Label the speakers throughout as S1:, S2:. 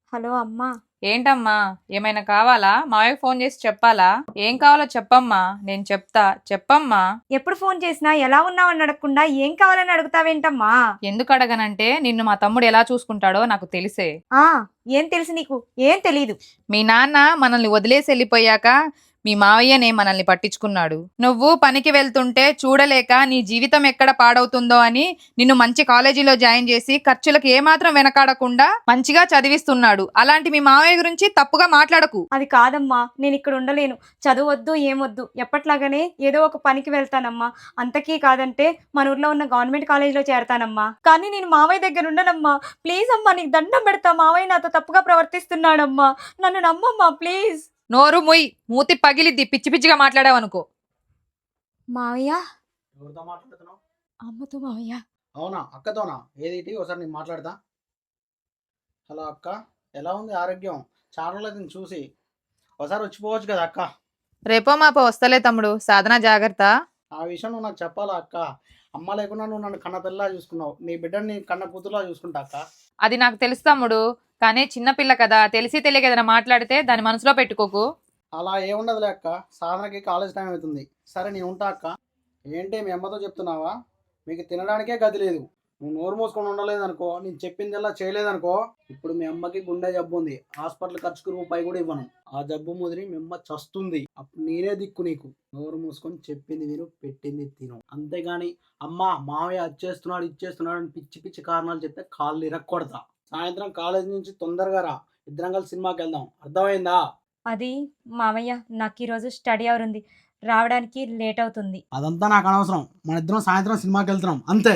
S1: Hello అమ్మా.
S2: ఏంటమ్మా ఏమైనా కావాలా? మావయ్యకు ఫోన్ చేసి చెప్పాలా? ఏం కావాలో చెప్పమ్మా, నేను చెప్తా. చెప్పమ్మా.
S1: ఎప్పుడు ఫోన్ చేసినా ఎలా ఉన్నావని అడగకుండా ఏం కావాలని అడుగుతావేంటమ్మా?
S2: ఎందుకు అడగనంటే నిన్ను మా తమ్ముడు ఎలా చూసుకుంటాడో నాకు తెలిసే.
S1: ఆ ఏం తెలుసు నీకు? ఏం తెలీదు.
S2: మీ నాన్న మనల్ని వదిలేసి వెళ్ళిపోయాక మీ మావయ్యనే మనల్ని పట్టించుకున్నాడు. నువ్వు పనికి వెళ్తుంటే చూడలేక నీ జీవితం ఎక్కడ పాడవుతుందో అని నిన్ను మంచి కాలేజీలో జాయిన్ చేసి ఖర్చులకు ఏమాత్రం వెనకాడకుండా మంచిగా చదివిస్తున్నాడు. అలాంటి మీ మావయ్య గురించి తప్పుగా మాట్లాడకు.
S1: అది కాదమ్మా, నేను ఇక్కడ ఉండలేను. చదువొద్దు ఏమొద్దు, ఎప్పట్లాగానే ఏదో ఒక పనికి వెళ్తానమ్మా. అంతకీ కాదంటే మన ఊర్లో ఉన్న గవర్నమెంట్ కాలేజీలో చేరతానమ్మా. కానీ నేను మావయ్య దగ్గర ఉండనమ్మా. ప్లీజ్ అమ్మా, నీకు దండం పెడతా. మావయ్య నాతో తప్పుగా ప్రవర్తిస్తున్నాడమ్మా. నన్ను నమ్మమ్మా ప్లీజ్.
S2: నోరు ముయ్, మూతి పగిలిద్ది పిచ్చి పిచ్చిగా మాట్లాడావనుకో.
S1: మావయ్య.
S3: ఎవరితో మాట్లాడుతున్నావు?
S1: అమ్మతో మావయ్య.
S3: అవునా, అక్కతోనా? ఏది ఒకసారి నేను మాట్లాడతా. హలో అక్క, ఎలా ఉంది ఆరోగ్యం? చాలా రోజులు చూసి. ఒకసారి వచ్చిపోవచ్చు కదా అక్క.
S2: రేపో మాపో వస్తలే తమ్ముడు, సాధన జాగ్రత్త.
S3: ఆ విషయం నువ్వు నాకు చెప్పాలా అక్క? అమ్మ లేకుండా నువ్వు నన్ను కన్న పిల్లలా చూసుకున్నావు. నీ బిడ్డని నీ కన్న కూతురులా చూసుకుంటా అక్క.
S2: అది నాకు తెలుసు తమ్ముడు, కానీ చిన్నపిల్ల కదా, తెలిసి తెలియక ఏదైనా మాట్లాడితే దాని మనసులో పెట్టుకోకు.
S3: అలా ఏముండదులే అక్క, సాధనకి కాలేజ్ టైం అవుతుంది. సరే నేను ఉంటా అక్క. ఏంటి మీ అమ్మతో చెప్తున్నావా? మీకు తినడానికే గది లేదు. నువ్వు నోరు మూసుకొని ఉండలేదనుకో, నేను చెప్పిందల్లా చేయలేదనుకో, ఇప్పుడు మీ అమ్మకి గుండె జబ్బు ఉంది. హాస్పిటల్ ఖర్చుకు రూపాయి కూడా ఇవ్వను. ఆ జబ్బు ముదిరి మీ అమ్మ చస్తుంది. అప్పుడు నేనే దిక్కు నీకు. నోరు మూసుకొని చెప్పింది విను, పెట్టింది తిను. అంతేగాని అమ్మ మావయ్య ఇచ్చేస్తున్నాడు అని పిచ్చి పిచ్చి కారణాలు చెప్తే కాళ్ళు ఇరక్కొడతా. సాయంత్రం కాలేజ్ నుంచి తొందరగా రా, ఇద్దరం కలిసి సినిమాకి వెళ్దాం. అర్థమైందా?
S1: అది మావయ్య, నాకు ఈరోజు స్టడీ అవర్ ఉంది, రావడానికి లేట్ అవుతుంది.
S3: అదంతా నాకు అనవసరం. మన ఇద్దరం సాయంత్రం సినిమాకి వెళ్తున్నాం అంతే.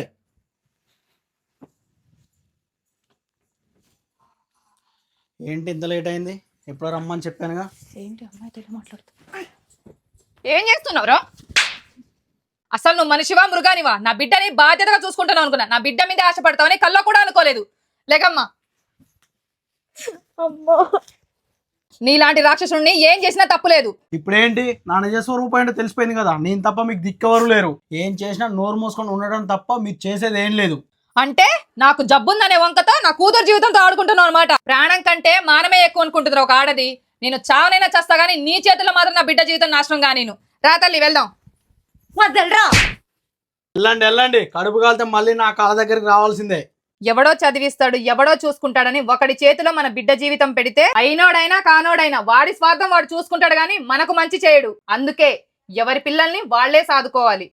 S3: ఏంటి ఇంత లేట్ అయింది? ఎప్పుడో రమ్మని చెప్పానుగా.
S2: ఏంటి అమ్మాయి తెలియ మాట్లాడుతూ ఏం చేస్తున్నావురా? అసలు నువ్వు మనిషివా మృగానివా? నా బిడ్డని బాధ్యతగా చూసుకుంటాను అనుకున్నా. నా బిడ్డ మీద ఆశపడతావని కల్లో కూడా అనుకోలేదు. లేకమ్మా.
S1: అమ్మో,
S2: నీలాంటి రాక్షసుడిని ఏం చేసినా తప్పులేదు.
S3: ఇప్పుడేంటి నా నిజ స్వరూపం ఏంటో తెలిసిపోయింది కదా. నేను తప్ప మీకు దిక్కెవరు లేరు. ఏం చేసినా నోరు మూసుకొని ఉండడం తప్ప మీరు చేసేది ఏం లేదు.
S2: అంటే నాకు జబ్బుందనే వంకతో నా కూతురు జీవితంతో ఆడుకుంటున్నావు అనమాట. ప్రాణం కంటే మానమే ఎక్కువ అనుకుంటుంది ఒక ఆడది. నేను చావనైనా చేస్తా గానీ నీ చేతుల్లో మాత్రం నా బిడ్డ జీవితం నాశనం గా. నేను రా తల్లి వెళ్దాం.
S1: వదలరా.
S3: వెళ్ళండి. కడుపు కాలితే మళ్ళీ నా కాళ్ళ దగ్గరికి రావాల్సిందే.
S2: ఎవడో చదివిస్తాడు, ఎవడో చూసుకుంటాడని ఒకడి చేతిలో మన బిడ్డ జీవితం పెడితే అయినోడైనా కానోడైనా వాడి స్వార్థం వాడు చూసుకుంటాడు గాని మనకు మంచి చేయడు. అందుకే ఎవరి పిల్లల్ని వాళ్లే సాదుకోవాలి.